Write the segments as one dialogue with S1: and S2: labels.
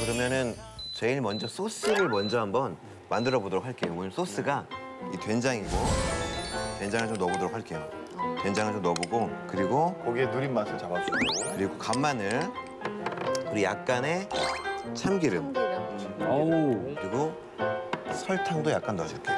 S1: 그러면은 제일 먼저 소스를 먼저 한번 만들어 보도록 할게요. 오늘 소스가 이 된장이고 된장을 좀 넣어보도록 할게요. 된장을 좀 넣어보고 그리고
S2: 고기의 누린 맛을 잡아주고
S1: 그리고 간마늘 그리고 약간의 참기름
S3: 어우.
S1: 그리고 설탕도 약간 넣어줄게요.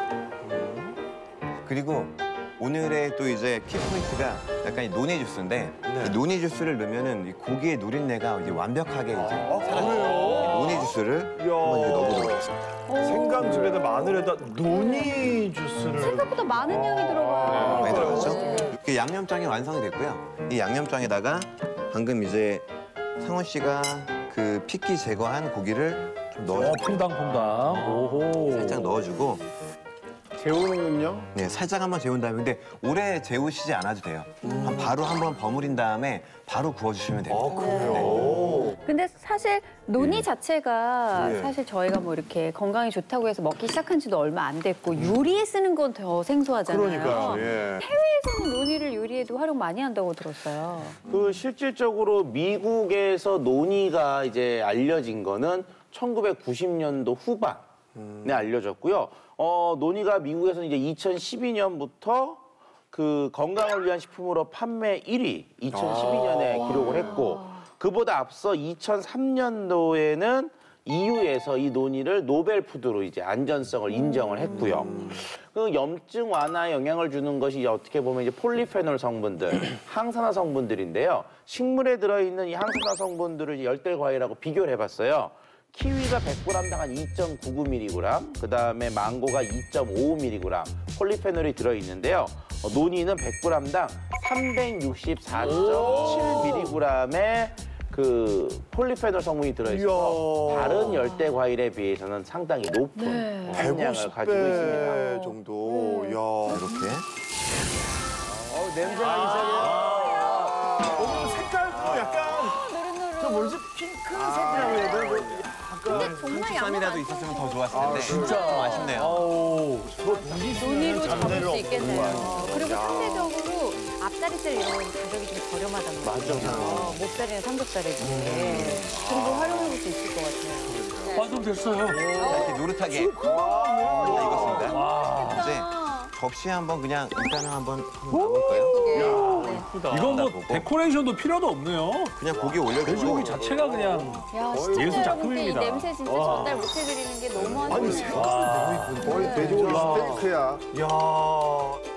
S1: 그리고 오늘의 또 이제 키포인트가 약간 이 노니 주스인데 이 노니 주스를 넣으면은 이 고기의 누린내가 이제 완벽하게 이제 사라져요. 노니 주스를 한번 이제 넣어보도록 하겠습니다.
S2: 생강즙에다 마늘에다 노니 주스를
S4: 생각보다 많은 양이 들어가요.
S1: 많이 들어갔죠? 이렇게 양념장이 완성이 됐고요. 이 양념장에다가 방금 이제 상훈 씨가 그 핏기 제거한 고기를 좀 넣어주고
S3: 퐁당퐁당. 오호.
S1: 살짝 넣어주고
S2: 재우는군요.
S1: 네, 살짝 한번 재운 다음에 근데 오래 재우시지 않아도 돼요. 바로 한번 버무린 다음에 바로 구워주시면 됩니다.
S2: 그래요?
S4: 근데 사실 노니 자체가
S2: 예.
S4: 사실 저희가 뭐 이렇게 건강에 좋다고 해서 먹기 시작한 지도 얼마 안 됐고 요리에 쓰는 건 더 생소하잖아요.
S2: 그러니까요. 예.
S4: 해외에서는 노니를 요리에도 활용 많이 한다고 들었어요.
S5: 그 실질적으로 미국에서 노니가 이제 알려진 거는 1990년도 후반에 알려졌고요. 노니가 미국에서는 이제 2012년부터 그 건강을 위한 식품으로 판매 1위 2012년에 기록을 했고 그보다 앞서 2003년도에는 EU에서 이 노니를 노벨 푸드로 이제 안전성을 인정을 했고요. 그 염증 완화에 영향을 주는 것이 어떻게 보면 이제 폴리페놀 성분들, 항산화 성분들인데요. 식물에 들어있는 이 항산화 성분들을 열대 과일하고 비교를 해봤어요. 키위가 100g당 한 2.99mg, 그다음에 망고가 2.55mg 폴리페놀이 들어있는데요. 노니는 100g당 364.7mg의 그 폴리페놀 성분이 들어있어서 다른 열대 과일에 비해서는 상당히 높은 함량을 가지고 있습니다.
S2: 150배 정도. 이야.
S1: 이렇게
S2: 냄새가 이상해. 색깔도 약간 저 뭐지? 핑크색이라고 해야 되나?
S4: 근데 정말 양이
S1: 쌈이라도 있었으면 더 좋았을 텐데
S3: 진짜.
S1: 좀 아쉽네요.
S3: 어우.
S4: 노니로 잡을 수 있겠네요.
S2: 없는
S4: 그리고 상대적으로 앞다리살 이런 건 가격이 좀 저렴하단 말이에요. 목살이나 삼겹살에 비해. 좀 더 활용해볼 수 있을 것 같아요.
S3: 완성됐어요.
S1: 이렇게 노릇하게 다 익었습니다. 이제 접시에 한번 그냥 일단은 한번 넣어볼까요?
S3: 이건 뭐 데코레이션도 필요도 없네요.
S1: 그냥 고기 올려주고
S3: 돼지고기 자체가 그냥
S4: 야,
S3: 예술
S4: 시청자 여러분께 이
S3: 작품입니다.
S4: 냄새 진짜 전달 못 해드리는 게 너무
S2: 아니
S4: 아쉽네요.
S2: 색깔이 너무 이쁘다. 거의 돼지고기 스테이크야. 이야.